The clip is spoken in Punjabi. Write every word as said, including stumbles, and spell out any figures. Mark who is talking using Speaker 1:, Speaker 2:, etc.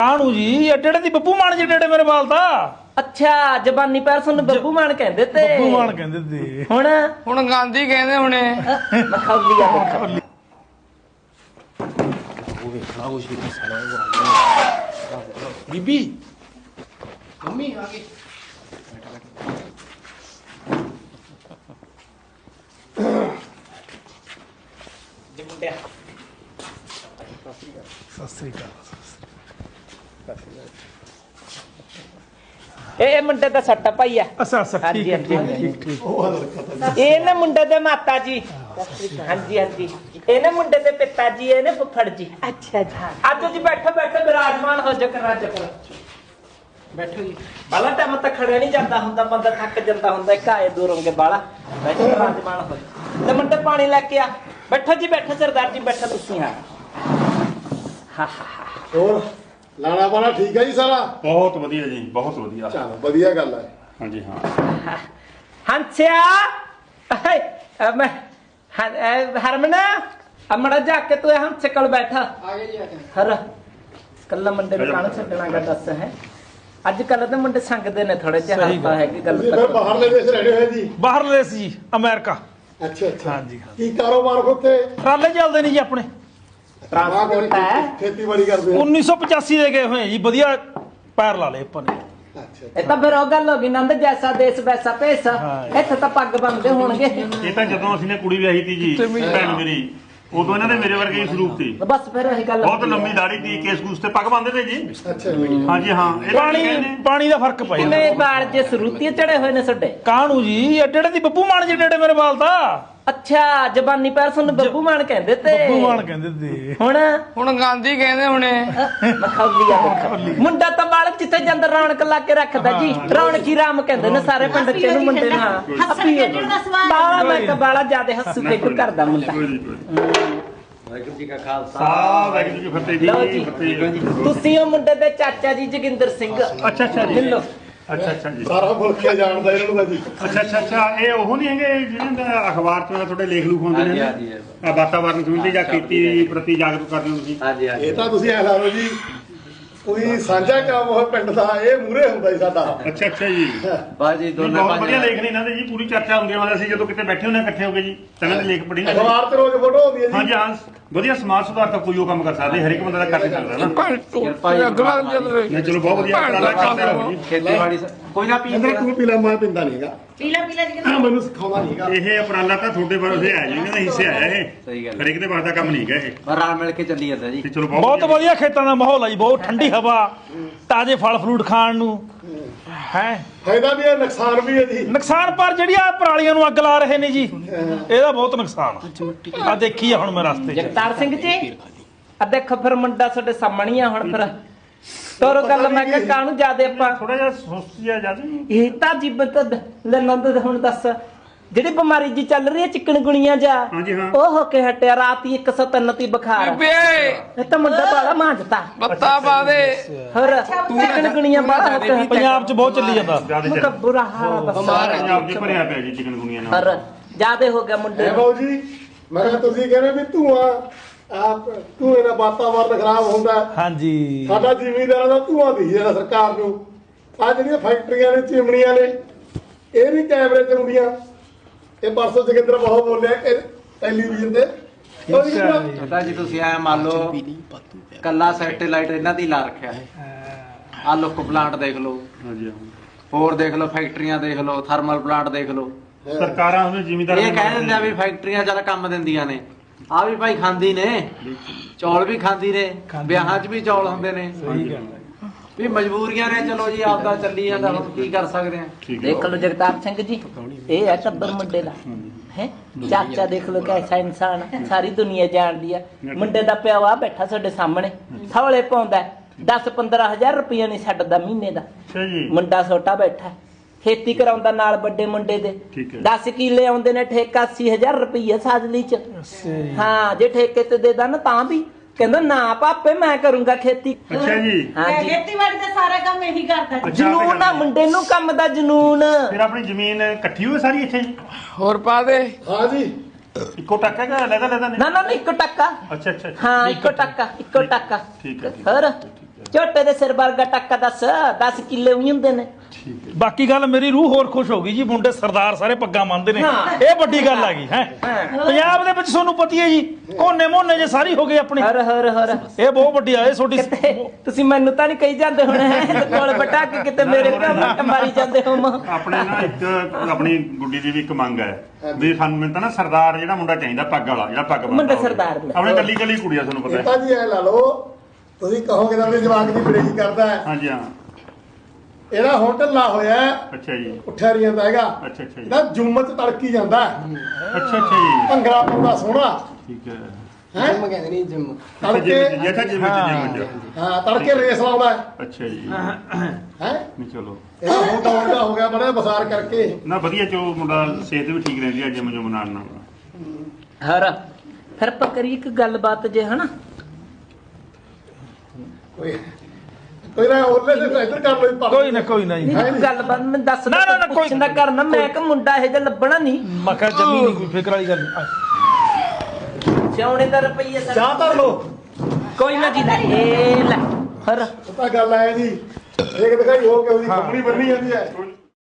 Speaker 1: ਕਾਹਨੂੰ ਜੀ ਐਡੇ ਦੀ ਬੱਬੂ ਮਾਨ ਜੀ ਡੇੜੇ ਮੇਰੇ ਵਾਲ ਤਾਂ
Speaker 2: ਅੱਛਾ ਜ਼ਬਾਨੀ ਪੈਰਸਨ ਨੂੰ ਬੱਬੂ ਮਾਨ ਕਹਿੰਦੇ ਤੇ
Speaker 1: ਬੱਬੂ ਮਾਨ ਕਹਿੰਦੇ ਤੇ
Speaker 2: ਹੁਣ
Speaker 3: ਹੁਣ ਗਾਂਧੀ ਕਹਿੰਦੇ ਹੁਣੇ
Speaker 2: ਮਖੌਲੀ ਆ ਮਖੌਲੀ
Speaker 4: ਉਹ ਵੇਖਣਾ ਕੁਛ ਵੀ ਸਾਲਾ ਬੀਬੀ ਮੰਮੀ ਆ ਗਈ
Speaker 2: ਜੀ ਮੁੰਡਿਆ
Speaker 1: ਸਤਿ ਸ੍ਰੀ ਅਕਾਲ
Speaker 2: ਇਹ ਮੁੰਡੇ ਦਾ ਸੱਟਾ ਭਾਈ ਆ
Speaker 1: ਅੱਛਾ ਅੱਛਾ ਠੀਕ ਹੈ ਠੀਕ ਠੀਕ
Speaker 2: ਇਹ ਨਾ ਮੁੰਡੇ ਦੇ ਮਾਤਾ ਜੀ ਹਾਂਜੀ ਹਾਂਜੀ ਇਹ ਨਾ ਮੁੰਡੇ ਦੇ ਪਿਤਾ ਜੀ ਇਹ ਨੇ ਫੁੱਫੜ ਜੀ ਅੱਛਾ ਜੀ ਅੱਜ ਜੀ ਬੈਠੋ ਬੈਠੋ ਵਿਰਾਜਮਾਨ ਹੋ ਜਾ ਕਰ ਰਾਜ ਕਰ ਬੈਠੋ ਜੀ ਬਾਲਾ ਟਾਈਮ ਤੱਕ ਖੜਿਆ ਨਹੀਂ ਜਾਂਦਾ ਹੁੰਦਾ ਬੰਦਾ ਥੱਕ ਜਾਂਦਾ ਹੁੰਦਾ ਇੱਕ ਆਏ ਦੂਰੋਂ ਕੇ ਬਾਲਾ ਬੈਠੋ ਵਿਰਾਜਮਾਨ ਹੋ ਤੇ ਮੁੰਡੇ ਪਾਣੀ ਲੈ ਕੇ ਆ ਬੈਠੋ ਜੀ ਬੈਠੋ ਸਰਦਾਰ ਜੀ ਬੈਠੋ ਤੁਸੀਂ ਹਾਂ ਹਾ ਹਾ
Speaker 5: ਹੋਰ ਲਾਣਾ ਵਾਲਾ ਠੀਕ ਹੈ ਜੀ ਸਾਰਾ
Speaker 6: ਬਹੁਤ ਵਧੀਆ ਜੀ ਬਹੁਤ ਵਧੀਆ
Speaker 5: ਚਲੋ ਵਧੀਆ ਗੱਲ ਹੈ
Speaker 6: ਹਾਂਜੀ ਹਾਂ
Speaker 2: ਹੰਸਿਆ ਮੈਂ ਹਰਮਨ ਅਮੜਾ ਜਾ ਕੇ ਤੂੰ ਹੰਸੇ ਕੋਲ ਬੈਠਾ
Speaker 3: ਆ ਗਏ ਜੀ ਆ ਗਏ
Speaker 2: ਹਰ ਕੱਲਾ ਮੁੰਡੇ ਨੂੰ ਕਾਹਨੂੰ ਛੱਡਣਾਗਾ ਦੱਸ ਹੈ ਅੱਜ ਕੱਲ ਤਾਂ ਮੁੰਡੇ ਸੰਗਦੇ ਨੇ ਥੋੜੇ ਜਿਹਾ ਹੱਸਦਾ ਹੈ ਕਿ ਗੱਲ
Speaker 5: ਤੁਸੀਂ ਫਿਰ ਬਾਹਰਲੇ ਦੇਸ਼ ਰਹਿਣੇ ਹੋਏ ਜੀ
Speaker 1: ਬਾਹਰਲੇ ਸੀ ਜੀ ਅਮਰੀਕਾ
Speaker 5: ਅੱਛਾ ਅੱਛਾ
Speaker 1: ਹਾਂਜੀ ਹਾਂ
Speaker 5: ਕੀ ਕਾਰੋਬਾਰ ਉੱਥੇ
Speaker 1: ਟਰਾਲੇ ਚੱਲਦੇ ਨਹੀਂ ਜੀ ਆਪਣੇ
Speaker 2: ਟਰਾਂਸਪੋਰਟ ਹੈ
Speaker 5: ਖੇਤੀਬਾੜੀ ਕਰਦੇ ਹੋ
Speaker 1: ਉੱਨੀ ਸੌ ਪਚਾਸੀ ਦੇ ਗਏ ਹੋਏ ਜੀ ਵਧੀਆ ਪੈਰ ਲਾ ਲਏ ਆਪਾਂ ਨੇ
Speaker 5: ਅੱਛਾ
Speaker 2: ਇਹ ਤਾਂ ਫਿਰ ਉਹ ਗੱਲ ਹੋ ਗਈ ਨੰਦ ਜੈਸਾ ਦੇਸ਼ ਵੈਸਾ ਭੇਸ ਇੱਥੇ ਤਾਂ ਪੱਗ ਬੰਨਦੇ ਹੋਣਗੇ
Speaker 6: ਇਹ ਤਾਂ ਜਦੋਂ ਅਸੀਂ ਨੇ ਕੁੜੀ ਵਿਆਹੀ ਤੀ ਜੀ ਭੈਣ ਮੇਰੀ ਉਦੋਂ ਇਹਨਾਂ ਦੇ ਮੇਰੇ ਵਰਗੇ ਹੀ ਸਰੂਪ ਸੀ
Speaker 2: ਬਸ ਫਿਰ ਇਹੀ ਗੱਲ
Speaker 6: ਬਹੁਤ ਲੰਮੀ ਦਾੜੀ ਦੀ ਕੇਸ ਕੂਸ ਤੇ ਪੱਗ ਬੰਨਦੇ ਤੇ ਜੀ
Speaker 5: ਅੱਛਾ
Speaker 6: ਹਾਂਜੀ ਹਾਂ ਇਹ ਤਾਂ
Speaker 1: ਪਾਣੀ
Speaker 6: ਕਹਿੰਦੇ
Speaker 1: ਪਾਣੀ ਦਾ ਫਰਕ ਪੈ ਜਾਂਦਾ
Speaker 2: ਕਿਵੇਂ ਬਾਲ ਜੇ ਸਰੂਤੀਏ ਚੜੇ ਹੋਏ ਨੇ ਛੱਡੇ
Speaker 1: ਕਾਹਨੂੰ ਜੀ ਐਡੇ ਦੀ ਬੱਬੂ ਮਾਨ ਜੀ ਡੇੜੇ ਮੇਰੇ ਵਾਲ ਤਾਂ
Speaker 2: ਅੱਛਾ ਜ਼ਬਾਨੀ ਪੈਰਸਨ ਨੂੰ ਬੱਬੂ ਮਾਨ ਕਹਿੰਦੇ ਤੇ
Speaker 1: ਬੱਬੂ ਮਾਨ ਕਹਿੰਦੇ ਤੇ
Speaker 2: ਹੁਣ
Speaker 3: ਹੁਣ ਗਾਂਧੀ ਕਹਿੰਦੇ ਹੁਣੇ
Speaker 2: ਮਖੌਲੀ ਆ ਮਖੌਲੀ ਮੁੰਡਾ ਤਾਂ ਬਾਲ ਜਿੱਥੇ ਜਾਂਦਾ ਰੌਣਕ ਲਾ ਕੇ ਰੱਖਦਾ ਜੀ ਰੌਣਕੀ ਰਾਮ ਕਹਿੰਦੇ ਨੇ ਸਾਰੇ ਪਿੰਡ ਚ ਇਹਨੂੰ ਮੁੰਡੇ ਨੂੰ ਹਾਂ ਬਾਲਾ ਮੈਂ ਤਾਂ ਬਾਲਾ ਜਿਆਦੇ ਹੱਸੂ ਖੇਡੂ ਕਰਦਾ ਮੁੰਡਾ
Speaker 4: ਵਾਹਿਗੁਰੂ ਜੀ ਕਾ ਖਾਲਸਾ
Speaker 6: ਸਾ ਵਾਹਿਗੁਰੂ ਜੀ ਕੀ
Speaker 2: ਲਓ
Speaker 6: ਫਤਿਹ
Speaker 2: ਜੀ।
Speaker 6: ਜੀ ਫਤਿਹ ਜੀ
Speaker 2: ਤੁਸੀਂ ਉਹ ਮੁੰਡੇ ਦੇ ਚਾਚਾ ਜੀ ਜੋਗਿੰਦਰ ਸਿੰਘ
Speaker 6: ਅੱਛਾ ਅੱਛਾ ਜੀ
Speaker 2: ਮਿਲੋ
Speaker 6: ਅੱਛਾ ਅੱਛਾ ਜੀ
Speaker 5: ਸਾਰਾ ਮੁਲਕ ਹੀ ਜਾਣਦਾ ਇਹਨਾਂ ਨੂੰ ਤਾਂ ਜੀ
Speaker 6: ਅੱਛਾ ਅੱਛਾ ਅੱਛਾ ਇਹ ਉਹ ਨਹੀਂ ਹੈਗੇ ਜਿਹਨਾਂ ਦਾ ਅਖਬਾਰ ਚ ਤੁਹਾਡੇ ਲੇਖ ਲੂਖ ਹੁੰਦੇ ਨੇ
Speaker 4: ਹਾਂਜੀ, ਹਾਂਜੀ।
Speaker 6: ਆ ਵਾਤਾਵਰਨ ਸੰਬੰਧੀ ਜਾਂ ਖੇਤੀ ਪ੍ਰਤੀ ਜਾਗਰੂਕ ਕਰਦੇ ਹੋ ਤੁਸੀਂ
Speaker 4: ਹਾਂਜੀ ਹਾਂਜੀ
Speaker 5: ਇਹ ਤਾਂ ਤੁਸੀਂ ਐ ਲਾ ਲਓ ਜੀ ਕੋਈ ਸਾਂਝਾ ਕੰਮ ਉਹ ਪਿੰਡ ਦਾ ਇਹ ਮੂਰੇ ਹੁੰਦਾ ਜੀ ਸਾਡਾ
Speaker 6: ਅੱਛਾ ਅੱਛਾ ਜੀ
Speaker 4: ਬਾਜੀ
Speaker 6: ਨਹੀਂ,
Speaker 4: ਦੋਨਾਂ
Speaker 6: ਬਹੁਤ ਵਧੀਆ
Speaker 4: ਭਾਈਆਂ
Speaker 6: ਲੇਖ ਨੇ ਇਹਨਾਂ ਦੇ ਜੀ ਪੂਰੀ ਚਰਚਾ ਹੁੰਦੀ ਹੈ ਅਸੀਂ ਜਦੋਂ ਕਿਤੇ ਬੈਠੇ ਹੁੰਦੇ ਹਾਂ ਇਕੱਠੇ ਹੋ ਕੇ ਜੀ ਤਾਂ ਇਹਨਾਂ ਦੇ ਲੇਖ ਪੜ੍ਹੀ ਜਾਂਦੇ
Speaker 5: ਅਖਬਾਰ ਤੇ ਰੋਜ਼ ਫੋਟੋ ਹੁੰਦੀ ਹੈ ਜੀ
Speaker 6: ਹਾਂਜੀ ਹਾਂ ਵਧੀਆ ਸਮਾਜ ਸੁਧਾਰ ਤਾਂ ਕੋਈ ਉਹ ਕੰਮ ਕਰ ਸਕਦੇ ਹਰ ਇੱਕ ਬੰਦਾ ਦਾ ਕਰ ਸਕਦਾ ਨਾ
Speaker 4: ਕਿਰਪਾ ਜੀ
Speaker 6: ਨਹੀਂ ਚਲੋ ਬਹੁਤ ਵਧੀਆ ਉਪਰਾਲਾ ਕਰਦੇ ਰਹੋ ਜੀ
Speaker 4: ਖੇਤੀਬਾੜੀ ਸ- ਕੋਈ ਨਾ ਪੀ
Speaker 5: ਅੰਦਰ ਤੂੰ ਪੀਲਾ ਮੈਂ ਪਿੰਦਾ ਨਹੀਂਗਾ
Speaker 7: ਪੀਲਾ ਪੀਲਾ ਜੀ
Speaker 5: ਹਾਂ ਮੈਨੂੰ ਸਿਖਾਉਂਦਾ ਨਹੀਂਗਾ
Speaker 6: ਇਹ ਉਪਰਾਲਾ ਤਾਂ ਤੁਹਾਡੇ ਭਰੋਸੇ ਹੈ ਜੀ ਇਹਨਾਂ ਦਾ ਹਿੱਸੇ ਆਇਆ ਇਹ
Speaker 4: ਸਹੀ ਗੱਲ
Speaker 6: ਹਰ ਇੱਕ ਦੇ ਬਾਅਦ ਦਾ ਕੰਮ ਨਹੀਂ ਹੈਗਾ ਇਹ
Speaker 4: ਪਰ ਰਲ ਮਿਲ ਕੇ ਚੱਲੀ ਜਾਂਦਾ ਜੀ
Speaker 6: ਤੇ ਚਲੋ
Speaker 1: ਬਹੁਤ ਵਧੀਆ ਖੇਤਾਂ ਦਾ ਮਾਹੌਲ ਹੈ ਜੀ ਬਹੁਤ ਠੰਡੀ ਹਵਾ ਤਾਜ਼ੇ ਫਲ ਫਰੂਟ ਖਾਣ ਨੂੰ ਹੈ
Speaker 5: ਫਾਇਦਾ ਵੀ ਹੈ ਨੁਕਸਾਨ ਵੀ ਹੈ ਜੀ
Speaker 1: ਨੁਕਸਾਨ ਪਰ ਜਿਹੜੀ ਆ ਪਰਾਲੀਆਂ ਨੂੰ ਅੱਗ ਲਾ ਰਹੇ ਨੇ ਜੀ ਇਹਦਾ ਬਹੁਤ ਨੁਕਸਾਨ ਆ ਦੇਖੀ ਆ ਹੁਣ ਮੈਂ ਰਸਤੇ 'ਚ
Speaker 2: ਜਗਤਾਰ ਸਿੰਘ ਜੀ ਆ ਦੇਖੋ ਫਿਰ ਮੁੰਡਾ ਤੁਹਾਡੇ ਸਾਹਮਣੇ ਆ ਹੁਣ ਫਿਰ ਤੋਰੋ ਗੱਲ ਮੈਂ ਕਿਹਾ ਕਾਹਨੂੰ ਜਿਆਦੇ ਆਪਾਂ
Speaker 6: ਥੋੜਾ ਜਿਹਾ ਸੁਸਤ ਜਿਹਾ ਜ਼ਿਆਦਾ
Speaker 2: ਇਹ ਤਾਂ ਜੀਬਤ ਲੰਨਦ ਹੁਣ ਦੱਸ ਜਿਹੜੀ ਬਿਮਾਰੀ ਜੀ ਚੱਲ ਰਹੀ ਹੈ ਚਿਕਨ ਗੁਣੀਆਂ ਜਾ
Speaker 6: ਹਾਂਜੀ ਹਾਂ
Speaker 2: ਉਹ ਹੋ ਕੇ ਹਟਿਆ ਰਾਤ ਹੀ ਇੱਕ ਸੌ ਤਿੰਨ ਤੀ ਬੁਖਾਰ
Speaker 3: ਬੇ
Speaker 2: ਇਹ ਤਾਂ ਮੁੰਡਾ ਬਾਲਾ ਮਾਂਜਤਾ
Speaker 3: ਬੱਤਾ ਪਾ ਦੇ
Speaker 2: ਹੋਰ ਚਿਕਨ ਗੁਣੀਆਂ ਬਾਲਾ ਹੋ ਕੇ
Speaker 1: ਪੰਜਾਬ 'ਚ ਬਹੁਤ ਚੱਲੀ ਜਾਂਦਾ
Speaker 6: ਜ਼ਿਆਦਾ
Speaker 2: ਮੁੰਡਾ
Speaker 6: ਚੱਲ
Speaker 2: ਬੁਰਾ ਹਾਲ ਆ ਬਸ
Speaker 6: ਪੰਜਾਬ ਜੀ ਭਰਿਆ ਪਿਆ ਜੀ ਚਿਕਨ ਗੁਨੀਆਂ ਨਾਲ
Speaker 2: ਹੋਰ ਜਿਆਦੇ ਹੋ ਗਿਆ ਮੁੰਡੇ
Speaker 5: ਇਹ
Speaker 2: ਨੂੰ
Speaker 5: ਬਾਊ ਜੀ ਮੈਂ ਕਿਹਾ ਤੁਸੀਂ ਕਹਿੰਦੇ ਵੀ ਧੂਆਂ ਆਪ ਧੂਏ ਨਾਲ ਵਾਤਾਵਰਨ ਖਰਾਬ ਹੁੰਦਾ ਹੈ।
Speaker 1: ਹਾਂਜੀ
Speaker 5: ਸਾਡਾ ਜ਼ਿਮੀਂਦਾਰਾਂ ਦਾ ਧੂਆਂ ਦੀ ਜਿਹੜਾ ਸਰਕਾਰ ਨੂੰ ਆ ਜਿਹੜੀਆਂ ਫੈਕਟਰੀਆਂ ਨੇ ਚਿਮਨੀਆਂ ਨੇ ਇਹ ਵੀ ਕੈਮਰੇ ਚਲਾਉਂਦੀਆਂ ਇਹ ਪਰਸੋਂ ਜੋਗਿੰਦਰ ਬਹੁਤ ਬੋਲਿਆ ਕਿ ਟੈਲੀਵਿਜ਼ਨ ਤੇ ਉਹ ਜੀ ਨਾ-
Speaker 4: ਪਤਾ ਜੀ ਤੁਸੀਂ ਐ ਮੰਨ ਲਓ ਕੱਲਾ ਸੈਟੇਲਾਈਟ ਇਹਨਾਂ ਦੀ ਲਾ ਰੱਖਿਆ ਆ ਲੁੱਕ ਪਲਾਂਟ ਦੇਖ ਲਓ
Speaker 6: ਹਾਂਜੀ ਹਾਂ
Speaker 4: ਹੋਰ ਦੇਖ ਲਓ ਫੈਕਟਰੀਆਂ ਦੇਖ ਲਓ ਥਰਮਲ ਪਲਾਂਟ ਦੇਖ ਲਓ
Speaker 6: ਸਰਕਾਰਾਂ ਉਹਨੇ ਜ਼ਿਮੀਂਦਾਰ
Speaker 4: ਇਹ ਕਹਿ ਦਿੰਦੇ ਆ ਵੀ ਫੈਕਟਰੀਆਂ ਚੱਲ ਕੰਮ ਦਿੰਦੀਆਂ ਨੇ ਆ ਵੀ ਭਾਈ ਖਾਂਦੀ ਨੇ ਚੌਲ ਵੀ ਖਾਂਦੀ ਨੇ ਵਿਆਹਾਂ 'ਚ ਵੀ ਚੌਲ ਹੁੰਦੇ ਨੇ ਵੀ ਮਜਬੂਰੀਆਂ ਨੇ ਚਲੋ ਜੀ ਆਪਦਾ ਚੱਲੀ ਜਾਂਦਾ ਹੁਣ ਕੀ ਕਰ ਸਕਦੇ ਆ
Speaker 2: ਦੇਖ ਲਓ ਜਗਤਾਰ ਸਿੰਘ ਜੀ ਇਹ ਹੈ ਟੱਬਰ ਮੁੰਡੇ ਦਾ ਹੈ ਚਾਚਾ ਦੇਖ ਲਓ ਕੈਸਾ ਇਨਸਾਨ ਹੈ ਸਾਰੀ ਦੁਨੀਆ ਜਾਣਦੀ ਆ ਮੁੰਡੇ ਦਾ ਪਿਓ ਆ ਬੈਠਾ ਸਾਡੇ ਸਾਹਮਣੇ ਥੌਲੇ ਪਾਉਂਦਾ ਦਸ ਪੰਦਰਾਂ ਹਜ਼ਾਰ ਰੁਪਈਆ ਨਹੀਂ ਛੱਡਦਾ ਮਹੀਨੇ ਦਾ
Speaker 6: ਅੱਛਾ ਜੀ
Speaker 2: ਮੁੰਡਾ ਛੋਟਾ ਬੈਠਾ ਖੇਤੀ ਕਰਾਉਂਦਾ ਨਾਲ ਵੱਡੇ ਮੁੰਡੇ ਦੇ
Speaker 6: ਠੀਕ ਹੈ।
Speaker 2: ਦਸ ਕਿੱਲੇ ਆਉਂਦੇ ਨੇ ਠੇਕਾ ਅੱਸੀ ਹਜ਼ਾਰ ਰੁਪਈਆ ਸਾਜਲੀ ਚ ਹਾਂ ਜੇ ਠੇਕੇ ਤੇ ਦੇ ਦਾਂ ਤਾਂ ਵੀ ਕਹਿੰਦਾ ਨਾ ਪਾਪੇ ਮੈਂ ਕਰੂੰਗਾ ਖੇਤੀ
Speaker 6: ਅੱਛਾ ਜੀ
Speaker 2: ਹਾਂਜੀ
Speaker 7: ਖੇਤੀਬਾੜੀ ਦਾ ਸਾਰਾ ਕੰਮ ਇਹੀ ਕਰਦਾ ਜੀ।
Speaker 2: ਜਨੂਨ ਆ ਮੁੰਡੇ ਨੂੰ ਕੰਮ ਦਾ ਜਨੂਨ
Speaker 6: ਫਿਰ ਆਪਣੀ ਜ਼ਮੀਨ ਇਕੱਠੀ ਹੋਈ ਸਾਰੀ ਇੱਥੇ ਜੀ
Speaker 3: ਹੋਰ ਪਾ ਦੇ
Speaker 5: ਹਾਂ ਜੀ
Speaker 6: ਇੱਕੋ ਟੱਕਾ ਕਿ ਲੈਦਾ ਲੈਦਾ
Speaker 2: ਨਾ ਨਾ ਨਾ, ਇੱਕੋ ਟੱਕਾ
Speaker 6: ਅੱਛਾ ਅੱਛਾ
Speaker 2: ਹਾਂ ਇੱਕੋ ਟੱਕਾ ਇੱਕੋ ਟੱਕਾ
Speaker 6: ਠੀਕ ਹੈ ਠੀਕ
Speaker 2: ਹੋਰ ਝੋਟੇ ਦੇ ਸਿਰ ਵਰਗਾ ਟੱਕਾ ਦੱਸ ਦਸ ਕਿੱਲੇ ਉਹੀ ਹੁੰਦੇ ਨੇ।
Speaker 1: ਬਾਕੀ ਗੱਲ ਮੇਰੀ ਰੂਹ ਹੋਰ ਖੁਸ਼ ਹੋ ਗਈ ਜੀ, ਮੁੰਡੇ ਸਰਦਾਰ ਸਾਰੇ ਪੱਗਾਂ ਮੰਨਦੇ ਨੇ,
Speaker 2: ਹਾਂ।
Speaker 1: ਇਹ ਵੱਡੀ ਗੱਲ ਆ ਗਈ ਹੈ। ਪੰਜਾਬ ਦੇ ਵਿੱਚ ਤੁਹਾਨੂੰ ਪਤੀ ਹੈ ਜੀ, ਕੋਨੇ ਮੋਨੇ ਜੇ ਸਾਰੀ ਹੋ ਗਈ ਆਪਣੀ,
Speaker 2: ਹਰ ਹਰ ਹਰ
Speaker 1: ਇਹ ਬਹੁਤ ਵੱਡੀ ਆ ਇਹ ਛੋਟੀ।
Speaker 2: ਕਿਤੇ ਤੁਸੀਂ ਮੈਨੂੰ ਤਾਂ ਨਹੀਂ ਕਹੀ ਜਾਂਦੇ ਹੁਣ ਤੇ ਕੋਲ ਬਟਾ ਕੇ ਕਿਤੇ ਮੇਰੇ ਘਰ ਮੱਟ ਮਾਰੀ ਜਾਂਦੇ ਹੋ ਮਾਂ।
Speaker 6: ਆਪਣੇ ਨਾ ਇੱਕ ਆਪਣੀ ਗੁੱਡੀ ਦੀ ਵੀ ਇੱਕ ਮੰਗ ਹੈ ਵੀ ਸਾਨੂੰ ਮੈਨੂੰ ਤਾਂ ਨਾ ਸਰਦਾਰ ਜਿਹੜਾ ਮੁੰਡਾ ਚਾਹੀਦਾ, ਪੱਗ ਵਾਲਾ ਜਿਹੜਾ ਪੱਗ ਬੰਨ੍ਹਦਾ
Speaker 2: ਮੁੰਡਾ
Speaker 6: ਹੋਵੇ।
Speaker 2: ਸਰਦਾਰ ਦਾ।
Speaker 6: ਆਪਣੇ ਕੱਲੀ ਕੱਲੀ ਕੁੜੀ ਆ ਤੁਹਾਨੂੰ ਪਤਾ
Speaker 5: ਇਹ ਤਾਂ
Speaker 6: ਹੈ।
Speaker 5: ਜੀ ਐ ਲਾ ਲਓ, ਤੁਸੀਂ ਕਹੋਗੇ ਤਾਂ ਆਪਣੇ ਜਵਾਕ ਦੀ ਬੜੇਈ ਕਰਦਾ ਹੈ,
Speaker 6: ਹਾਂਜੀ ਹਾਂ।
Speaker 5: ਇਹਦਾ ਹੁਣ ਢਿੱਲਾ ਹੋਇਆ ਹੈ,
Speaker 6: ਅੱਛਾ ਜੀ।
Speaker 5: ਉੱਠਿਆ ਨਹੀਂ ਜਾਂਦਾ ਹੈਗਾ,
Speaker 6: ਅੱਛਾ ਅੱਛਾ ਜੀ।
Speaker 5: ਇਹਦਾ ਜੁੰਮ ਚ ਤੜਕੀ ਜਾਂਦਾ ਹੈ,
Speaker 6: ਅੱਛਾ ਅੱਛਾ ਜੀ।
Speaker 5: ਭੰਗੜਾ ਪਾਉਂਦਾ ਸੋਹਣਾ
Speaker 6: ਠੀਕ ਹੈ।
Speaker 5: ਹੈ
Speaker 3: ਜਿਮ ਕਹਿੰਦੇ ਨਹੀਂ ਜਿਮ।
Speaker 5: ਤੜਕੇ
Speaker 6: ਜਿਮ ਜਿੱਥੇ ਜਿਮ ਚ ਜਿਮ
Speaker 5: ਹਾਂ ਤੜਕੇ ਰੇਸ ਲਾਉਂਦਾ ਹੈ
Speaker 6: ਅੱਛਾ ਜੀ।
Speaker 5: ਹੈ
Speaker 6: ਨਹੀਂ ਚਲੋ
Speaker 5: ਇਹਦਾ ਹੁਣ ਤਾਂ ਉਲਟਾ ਹੋ ਗਿਆ ਬੜਾ ਬਸਾਰ ਕਰਕੇ।
Speaker 6: ਨਾ ਵਧੀਆ ਚੋ ਮੁੰਡਾ, ਸਿਹਤ ਵੀ ਠੀਕ ਰਹਿੰਦੀ ਹੈ ਜਿਮ ਜੁਮ ਨਾਲ ਨਾਲ।
Speaker 2: ਹਰ ਫਿਰ ਆਪਾਂ ਕਰੀਏ ਇੱਕ ਗੱਲਬਾਤ ਜੇ ਹਨਾ,
Speaker 5: ਕੋਈ ਕੋਈ ਨਾ ਉਹਲੇ ਤੇ ਇੱਧਰ ਕਰ ਲੋ।
Speaker 1: ਕੋਈ ਨਾ ਕੋਈ ਨਾ ਜੀ,
Speaker 2: ਨਹੀਂ ਇੱਕ ਗੱਲਬਾਤ ਮੈਂ ਦੱਸ
Speaker 1: ਨਾ, ਨਾ, ਨਾ, ਕੋਈ-
Speaker 2: ਪੁੱਛਣਾ ਕਰਨਾ, ਮੈਂ ਕਿ ਮੁੰਡਾ ਇਹ ਜਿਹਾ ਲੱਭਣਾ ਨਹੀਂ।
Speaker 1: ਮੈਂ ਕਿਹਾ ਜਮੀ ਨਹੀਂ ਕੋਈ ਫਿਕਰ ਵਾਲੀ ਗੱਲ ਨਹੀਂ।
Speaker 2: ਸਿਆਉਣੇ ਦਾ ਰੁਪਈਆ ਸਾਡਾ-
Speaker 5: ਚਾਹ ਧਰ ਲੋ।
Speaker 2: ਕੋਈ ਨਾ ਜੀ ਲੈ ਇਹ ਲੈ ਹਰ
Speaker 5: ਉਹ ਤਾਂ ਗੱਲ ਆਇਆ ਜੀ, ਇੱਕ ਦਿਖਾਈ ਹੋ ਕੇ ਉਹਦੀ ਕੰਪਨੀ ਬੰਨੀ ਜਾਂਦੀ ਹੈ।